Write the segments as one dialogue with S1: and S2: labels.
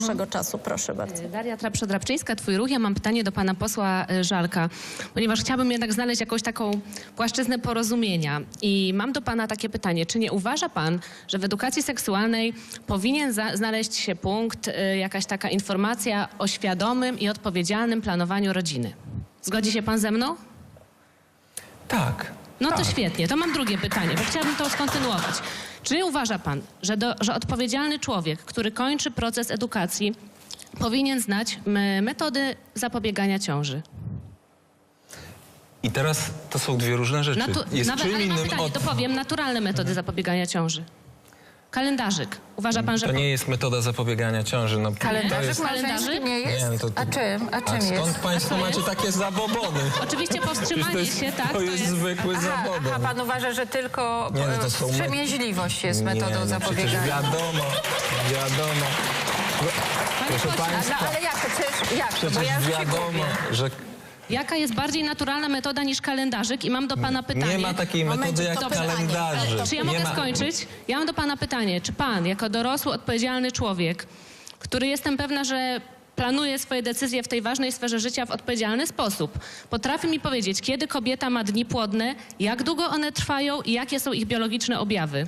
S1: Naszego czasu, proszę bardzo.
S2: Daria Trapszo-Drabczyńska, Twój Ruch. Ja mam pytanie do pana posła Żalka, ponieważ chciałabym jednak znaleźć jakąś taką płaszczyznę porozumienia. I mam do pana takie pytanie. Czy nie uważa pan, że w edukacji seksualnej powinien znaleźć się punkt, jakaś taka informacja o świadomym i odpowiedzialnym planowaniu rodziny? Zgodzi się pan ze mną?
S3: Tak.
S2: No
S3: tak.
S2: to świetnie. To mam drugie pytanie, bo chciałabym to skontynuować. Czy nie uważa pan, że odpowiedzialny człowiek, który kończy proces edukacji, powinien znać metody zapobiegania ciąży?
S3: I teraz to są dwie różne rzeczy. Jest czym
S2: ale mam
S3: innym
S2: pytanie,
S3: od...
S2: to powiem, naturalne metody zapobiegania ciąży. Kalendarzyk. Uważa pan, że...
S3: To nie jest metoda zapobiegania ciąży. No,
S4: Kalendarzyk
S3: to jest...
S4: małżeński nie jest?
S3: Nie, no to...
S4: A czym jest?
S3: Skąd państwo macie takie zabobony?
S2: Oczywiście powstrzymanie się, tak?
S3: To jest zwykły zabobon.
S4: Aha, pan uważa, że tylko
S3: Nie, no to są
S4: wstrzemięźliwość jest metodą
S3: Przecież
S4: zapobiegania.
S3: wiadomo. Proszę państwa,
S4: Ale jak to? Jak? Bo ja
S3: przecież
S4: już się
S3: wiadomo,
S4: gubię.
S3: że
S2: Jaka jest bardziej naturalna metoda niż kalendarzyk? I mam do pana pytanie.
S3: nie ma takiej metody jak kalendarzy.
S2: Czy ja mogę skończyć? Ja mam do pana pytanie. Czy pan, jako dorosły, odpowiedzialny człowiek, który jestem pewna, że planuje swoje decyzje w tej ważnej sferze życia w odpowiedzialny sposób, potrafi mi powiedzieć, kiedy kobieta ma dni płodne, jak długo one trwają i jakie są ich biologiczne objawy?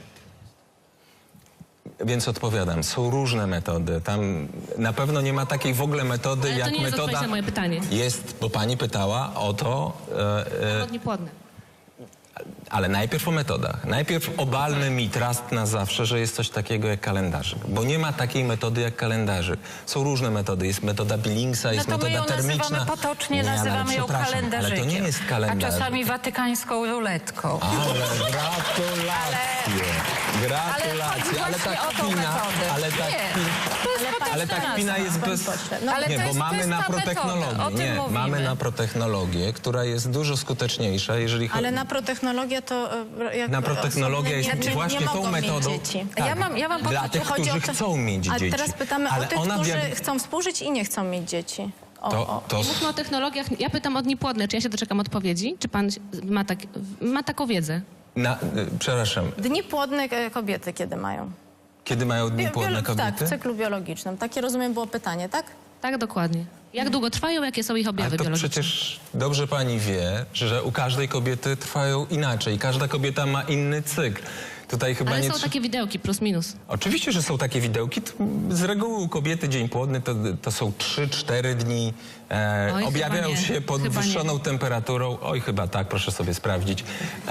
S3: Więc odpowiadam, są różne metody. Tam na pewno nie ma takiej w ogóle metody
S2: Ale to
S3: jak
S2: nie jest
S3: metoda...
S2: odpowiedź na moje pytanie.
S3: Jest, bo pani pytała o to...
S2: O dni płodne.
S3: Ale najpierw o metodach. Najpierw obalmy mit raz na zawsze, że jest coś takiego jak kalendarzyk. Bo nie ma takiej metody jak kalendarzyk. Są różne metody. Jest metoda Billingsa, jest
S4: No to my
S3: metoda
S4: ją
S3: termiczna.
S4: nazywamy potocznie,
S3: Nie, ale
S4: nazywamy ją
S3: przepraszam,
S4: kalendarzykiem.
S3: Ale to nie jest
S4: A
S3: kalendarzyk.
S4: czasami watykańską ruletką.
S3: Ale gratulacje. Gratulacje.
S4: Ale chodzi właśnie o tą metodę.
S3: Ale ta
S4: Nie,
S3: ale ta kpina jest bez...
S4: Ale
S3: Nie,
S4: to
S3: bo
S4: jest-
S3: mamy
S4: to jest
S3: na
S4: ta
S3: protechnologię.
S4: metoda, o tym
S3: Nie,
S4: mówimy.
S3: mamy na protechnologię, która jest dużo skuteczniejsza, jeżeli chodzi...
S1: Ale na protechnologię to...
S3: Naprotechnologia jest właśnie
S1: nie
S3: tą
S1: mogą
S3: metodą.
S1: Mieć dzieci.
S3: Tak,
S4: Ja mam
S3: dla tych,
S1: Chodzi o
S3: którzy
S1: to-
S3: chcą mieć
S1: A
S3: dzieci.
S1: teraz pytamy
S3: Ale
S1: o tych,
S3: ona
S1: którzy chcą współżyć i nie chcą mieć dzieci.
S3: To
S2: Mówmy o technologiach. Ja pytam o dni płodne. Czy ja się doczekam odpowiedzi? Czy pan ma taką wiedzę?
S3: przepraszam,
S1: Dni płodne kobiety kiedy mają?
S3: kiedy mają dni płodne
S1: Tak,
S3: kobiety?
S1: w cyklu biologicznym. Takie, rozumiem, było pytanie, tak?
S2: Tak, dokładnie. Jak długo trwają, jakie są ich objawy
S3: Ale to
S2: biologiczne?
S3: przecież dobrze pani wie, że u każdej kobiety trwają inaczej. Każda kobieta ma inny cykl. Tutaj chyba
S2: Ale
S3: nie...
S2: są takie widełki, plus minus.
S3: Oczywiście, że są takie widełki. Z reguły u kobiety dzień płodny to są 3-4 dni.
S2: Oj,
S3: objawiają
S2: chyba nie.
S3: się podwyższoną temperaturą. Oj, chyba tak, proszę sobie sprawdzić.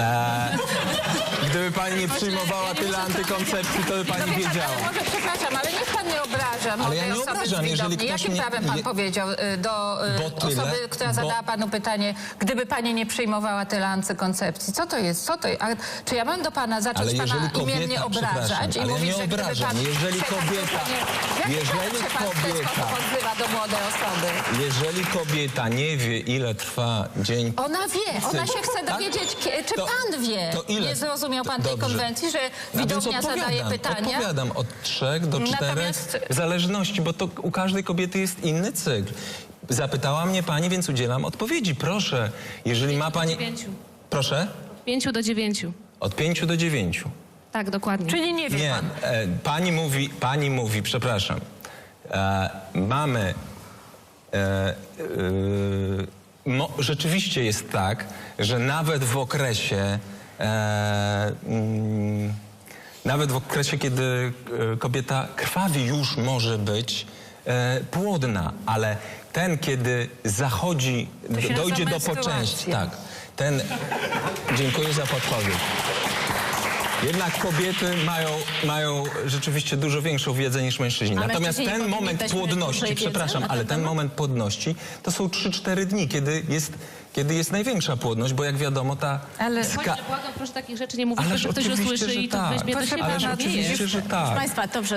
S3: Gdyby pani nie przyjmowała tyle antykoncepcji, to by pani wiedziała.
S4: Ale może, przepraszam, ale niech pan nie obraża
S3: Ale ja
S4: młodej
S3: nie
S4: osoby
S3: obrażam,
S4: z
S3: jeżeli
S4: widowni.
S3: ktoś
S4: Jakim
S3: nie-
S4: prawem pan
S3: nie-
S4: powiedział do
S3: Bo tyle,
S4: osoby, która zadała panu pytanie, gdyby pani nie przyjmowała tyle antykoncepcji? Co to jest? Czy ja mam do pana
S3: Ale
S4: zacząć pana
S3: jeżeli kobieta,
S4: imiennie obrażać i
S3: ale ja
S4: mówić,
S3: nie
S4: że gdyby
S3: obrażam.
S4: pan
S3: Jeżeli
S4: przekazał
S3: kobieta,
S4: panie-
S3: jeżeli
S4: Jak pan w ten
S3: kobieta,
S4: sposób odzywa do młodej osoby?
S3: jeżeli kobieta nie wie, ile trwa dzień...
S4: Ona wie, ona się chce
S3: Tak?
S4: dowiedzieć, czy
S3: To-
S4: pan wie.
S3: to ile?
S4: Nie zrozumiał pan tej
S3: Dobrze.
S4: konwencji, że
S3: A więc
S4: widownia zadaje pytania?
S3: Odpowiadam od 3 do 4
S4: Natomiast-
S3: w zależności, bo to u każdej kobiety jest inny cykl. Zapytała mnie pani, więc udzielam odpowiedzi. Proszę, jeżeli ma pani...
S2: 9.
S3: Proszę?
S2: Od 5 do 9.
S3: Od 5 do 9.
S2: Tak, dokładnie.
S4: Czyli nie wie
S3: Nie,
S4: pan.
S3: pani mówi, przepraszam, mamy... rzeczywiście jest tak, że nawet w okresie... nawet w okresie, kiedy kobieta krwawi, już może być płodna, ale ten, kiedy zachodzi,
S4: się
S3: dojdzie
S4: nazywa
S3: do poczęści,
S4: menstruacja.
S3: tak, ten... Dziękuję za podpowiedź. Jednak kobiety mają rzeczywiście dużo większą wiedzę niż mężczyźni.
S1: A
S3: Natomiast
S1: mężczyźni
S3: ten
S1: powinni
S3: moment
S1: też mieć
S3: płodności,
S1: dłużej
S3: przepraszam,
S1: wiedzy na
S3: ale
S1: ten
S3: ten
S1: temat?
S3: moment płodności to są 3-4 dni, kiedy jest największa płodność, bo jak wiadomo ta...
S4: Ale-
S2: Błagam, proszę takich rzeczy nie mówić, bo
S3: Ależ
S2: że ktoś
S3: oczywiście,
S2: usłyszy
S3: że
S2: i to
S3: tak.
S2: weźmie do
S4: Proszę
S2: siebie.
S4: pana,
S3: Ależ
S2: a nie
S3: oczywiście,
S2: jest.
S3: że
S1: Proszę
S3: tak.
S1: Państwa, dobrze.